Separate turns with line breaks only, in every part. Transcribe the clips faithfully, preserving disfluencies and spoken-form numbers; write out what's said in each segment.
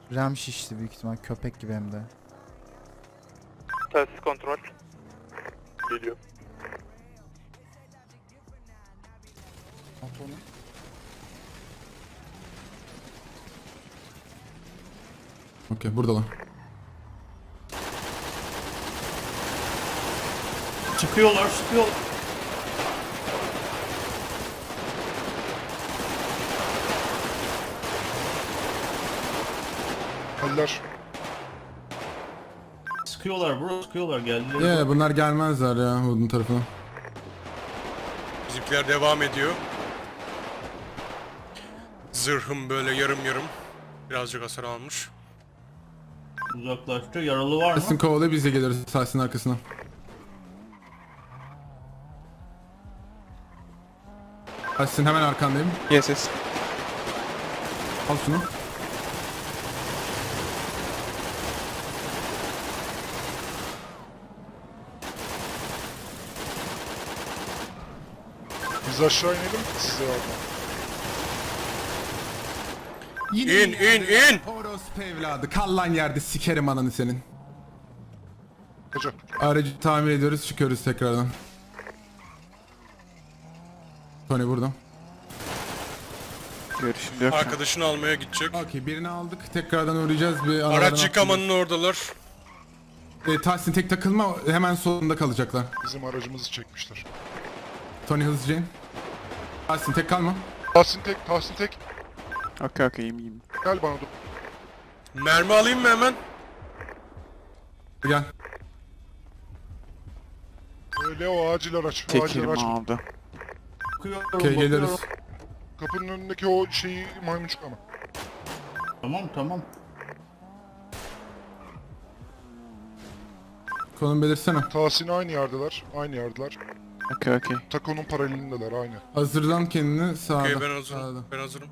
Ram şişti büyük ihtimal, köpek gibi hem de.
Telsiz kontrol. Geliyor.
At onu.
Okey, buradalar.
Çıkıyorlar, çıkıyor.
Haller.
Sıkıyorlar bro, sıkıyorlar geldiler.
Yeah, bunlar gelmezler ya Wood'un tarafına.
Bizimkiler devam ediyor. Zırhım böyle yarım yarım. Birazcık hasar almış.
Uzaklaştı. Yaralı var mı?
Tahsin kovalıyor, biz de geliriz Tahsin'in arkasına. Tahsin hemen arkandayım.
Yes yes.
Al şunu.
Biz aşağı inelim size yardım.
İn in in!
Orospu evladı. Kal lan yerde, sikerim ananı senin.
Hocam.
Aracı tamir ediyoruz, çıkıyoruz tekrardan. Tony burada.
Görüşüm yok. şu an.
Arkadaşını almaya gidecek.
Okey, birini aldık. Tekrardan uğrayacağız. Bir aralardan
Araç yıkamanın oradalar.
E, Tahsin tek takılma, hemen solunda kalacaklar.
Bizim aracımızı çekmişler.
Tony hızlıca in. Tahsin tek kalma.
Tahsin tek, Tahsin tek.
Okey okey iyiyim iyiyim.
Gel bana dur.
Mermi alayım mı hemen?
Gel.
Öyle o acil araç. Acil
Tekerim
araç.
aldı.
Bakıyorum,
Okey,
bakıyorum.
geliriz.
Kapının önündeki o şeyi maymuncuk ama.
Tamam tamam.
Konum belirsene.
Tahsin aynı yerdeler. Aynı yerdeler.
Okey okey.
Takonun paralelindeler aynı.
Hazırlan kendini sağda.
Okey ben hazırım.
Sağda.
Ben hazırım.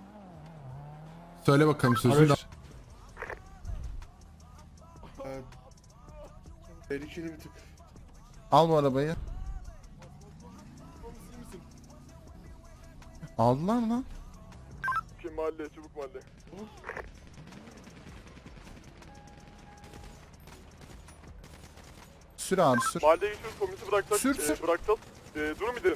Söyle bakalım sözünü.
Araç-
Tehlikeli bir tık.
Al bu arabayı. Aldılar mı lan?
Kim mahalle, çubuk mahalle.
Sür abi sür.
Mahalleye geçiyoruz, komisi bıraktık.
Sür,
e,
sür.
bıraktık. E, durum gidelim.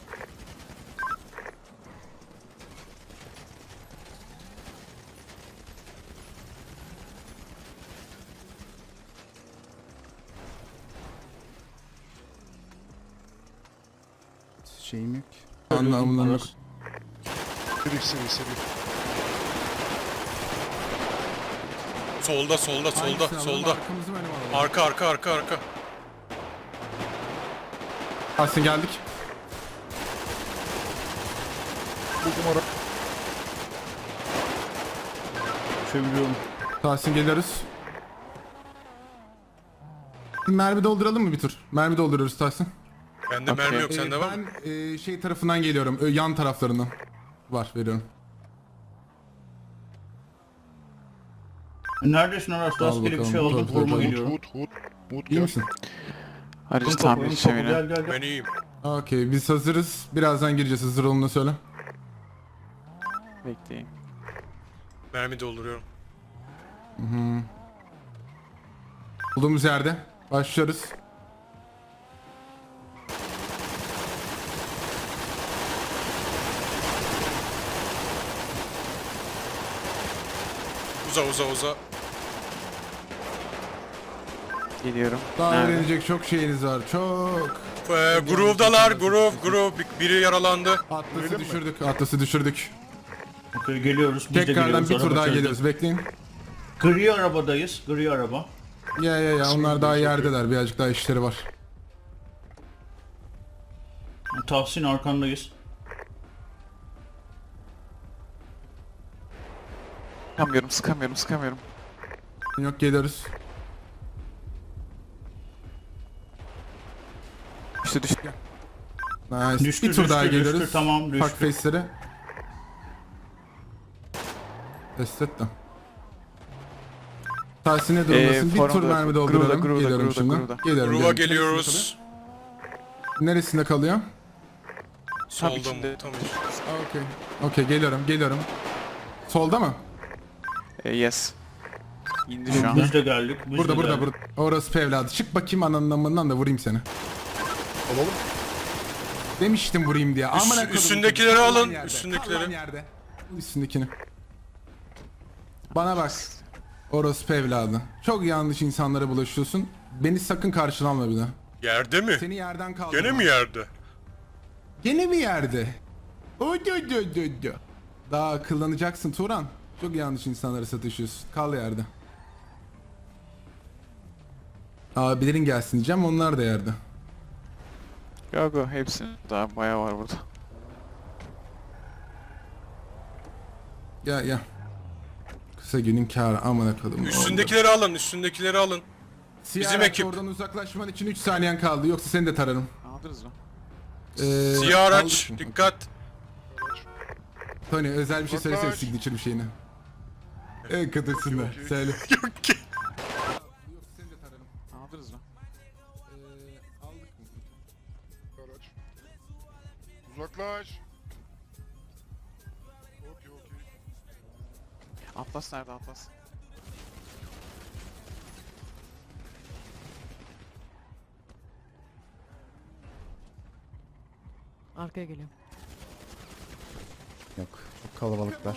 Şeyim yok.
Anlamından yok.
Seri seri seri.
Solda solda solda
Hangisini alalım?
solda.
Arkamızı mı, önümü alalım?
Arka arka arka arka.
Tahsin geldik.
Buldum ara.
Çeviriyorum.
Tahsin geliyoruz. Mermi dolduralım mı bir tur? Mermi dolduruyoruz Tahsin.
Bende
Okey.
mermi yok
Ee,
sende var mı?
ben e, şey tarafından geliyorum. Ö, yan taraflarından. Var, veriyorum.
Neredesin Aras?
Al
Rastgele bir
bakalım,
şey aldım.
dur,
Koruma
dur, dur.
geliyorum.
Hut hut. Hut
İyi
gel.
misin?
Aracı
Topu,
tamir
topu,
edeceğim
Gel
yine.
gel gel.
Ben iyiyim.
Okey, biz hazırız. Birazdan gireceğiz. Hazır olun da söyle.
Bekleyin.
Mermi dolduruyorum.
Olduğumuz yerde. Başlıyoruz.
Uza uza uza.
Geliyorum.
Daha
Nerede?
öğrenecek çok şeyiniz var. Çok.
Ee, groove'dalar groove groove. Bir- Biri yaralandı.
Atlas'ı düşürdük. Atlas'ı düşürdük.
Okey geliyoruz. Biz de
Tekrardan
geliyoruz.
bir tur
Araba
daha
içeride.
geliyoruz. Bekleyin.
Gri arabadayız. Gri araba.
Ya ya ya, onlar daha yerdeler. Birazcık daha işleri var.
Tahsin arkandayız.
Sıkamıyorum sıkamıyorum sıkamıyorum.
Yok, geliyoruz.
İşte düştü.
Nice.
Düştü,
bir tur
düştü,
daha
düştü.
geliyoruz.
Tamam, düştü.
Fuck face'leri. Test et de. Tahsin ne durumdasın?
Ee,
bir tur
formda-
mermi
Groove'da,
dolduralım.
Groove'da,
Geliyorum
Groove'da,
şimdi.
Groove'da.
Geliyorum.
Groove'a
geliyorum.
geliyoruz.
Neresinde kalıyor?
Solda mı?
içinde.
Tamam.
Okey. Okey, geliyorum geliyorum. Solda mı?
Ee, yes. İndi şu an.
Biz de geldik. Biz
Burada
de
burada
geldik.
burada. Orospu evladı. Çık bakayım ananın amından da vurayım seni.
Alalım.
Demiştim vurayım diye. Amına kodum.
üstündekileri
Kal lan
alın,
yerde.
üstündekileri.
Kal lan yerde. Al üstündekini. Bana bak. Orospu evladı. Çok yanlış insanlara bulaşıyorsun. Beni sakın karşına alma bir daha.
Yerde mi?
Seni yerden kaldırma.
Gene mi yerde?
Gene mi yerde? Oy dö dö dö dö. Daha akıllanacaksın Turan. Çok yanlış insanlara satışıyorsun. Kal yerde. Abilerin gelsin diyeceğim, onlar da yerde.
Yok yok hepsi. Daha bayağı var burada.
Gel gel. Kısa günün kârı amına kodum.
Üstündekileri alın, üstündekileri alın.
Siyah
bizim
araç,
ekip.
oradan uzaklaşman için üç saniyen kaldı. Yoksa seni de tararım.
Aldınız mı?
Ee,
Siyah araç,
aldık mı?
dikkat.
Tony özel bir şey söylesene
Uzaklaş.
signature bir şeyini. En kadırsın da. Söyle.
Yok ki.
Yoksa seni de tararım.
Aldınız mı?
Ee, aldık mı?
Araç. Uzaklaş. Okey okey.
Atlas nerede Atlas?
Arkaya geliyorum.
Yok. Çok kalabalıklar.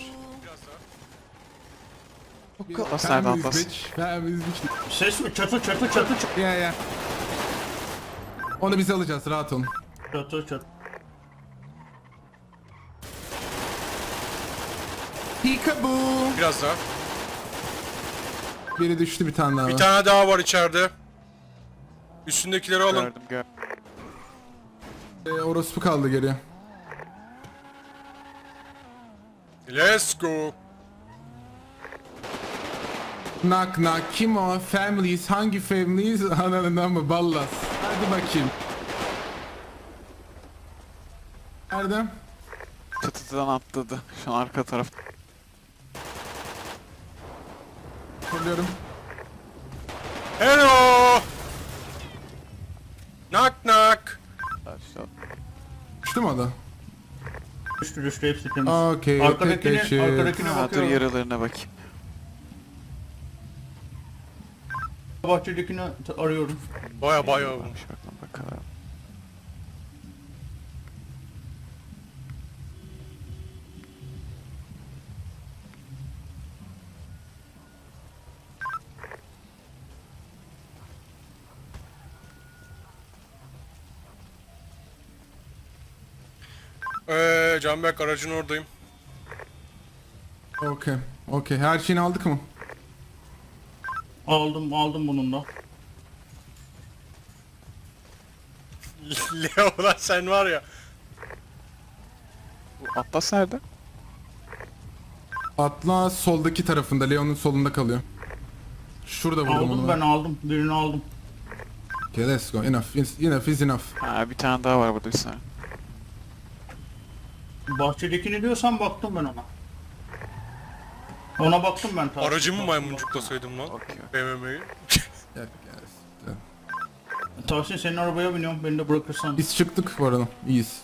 Atlas nerede
Families
Atlas?
bitch, families bitch.
Ses mi? Çatı çatı çatı çatı.
Ya ya. Onu biz alacağız, rahat olun.
Çatı çatı.
Peekaboo.
Biraz daha.
Biri düştü, bir tane daha
Bir
var.
tane daha var içeride. Üstündekileri alın.
Gördüm gördüm.
Ee, orospu kaldı geriye.
Let's go.
Knock knock, kim o? Families, hangi families? Ananından mı? Ballas. Hadi bakayım. Erdem.
Çatıdan atladı. Şu an arka taraf.
Soruyorum.
Hello. Knock knock.
İşte
Düştü mü o da?
Düştü düştü hepsi temiz.
Okey,
Arkadakine,
okey,
arkadakine
Ha, dur
bakıyorum.
yaralarına bakayım.
Bahçedekini t- arıyorum.
Baya baya.
Varmış bakalım bakalım.
Eee Canberk aracın oradayım.
Okey, okey. Her şeyini aldık mı?
Aldım aldım bunun da.
Leo lan sen var ya.
Bu Atlas nerede?
Atla soldaki tarafında, Leon'un solunda kalıyor. Şurada vurdum
Aldım
onu.
ben aldım. Birini aldım.
Okay, let's go. Enough, is, enough is enough.
Ha bir tane daha var burada bir saniye.
Bahçedekini diyorsan baktım ben ona. Ona baktım ben tabii.
Aracımı maymuncuklasaydım lan.
Okey.
B M W'yi.
Gel, gel.
Tahsin senin arabaya biniyorum. Beni de bırakırsan.
Biz çıktık bu arada. İyiyiz.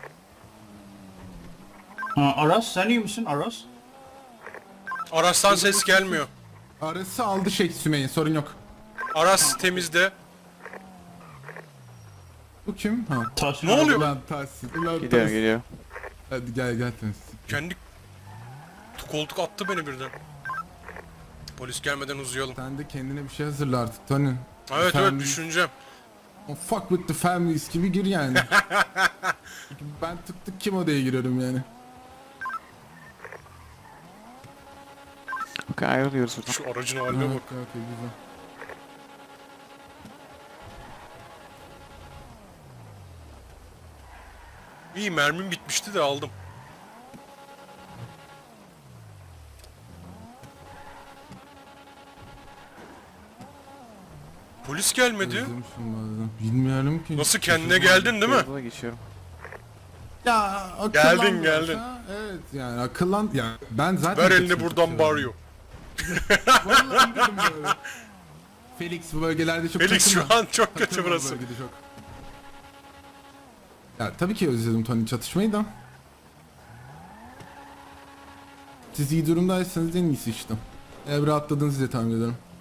Ha, Aras sen iyi misin Aras?
Aras'tan ses gelmiyor.
Arası aldı şey Sümeyye, sorun yok.
Aras temizde.
Bu kim? Ha.
Tahsin
Ne oluyor?
Ulan Tahsin. Ulan
Geliyor
Tahsin.
geliyor.
Hadi gel gel Tahsin.
Kendi koltuk attı beni birden. Polis gelmeden uzayalım.
Sen de kendine bir şey hazırla artık Tony.
Evet evet
Families-
düşüneceğim.
O fuck with the families gibi gir yani. Çünkü ben tık tık kim odaya giriyorum yani.
Okey ayrılıyoruz buradan.
Şu aracın
Ha,
haline bak.
okey okey güzel.
İyi mermim bitmişti de aldım. Polis gelmedi.
Özlemişim bazen. Bilmiyorum ki.
Nasıl kendine geldin değil mi?
Yola geçiyorum.
Ya akıllan
Geldin,
biraz
geldin.
ha. Evet yani akıllan ya ben zaten
Ver
kötü
elini
bir
buradan
şey
bağırıyor.
Vallahi dedim böyle. Felix bu bölgelerde çok
Felix şu
takılma.
an çok
Takılma
kötü
bu
burası.
bölgede çok. Ya tabii ki özledim Tony çatışmayı da. Siz iyi durumdaysanız en iyisi işte. Evre atladınız diye tahmin ederim.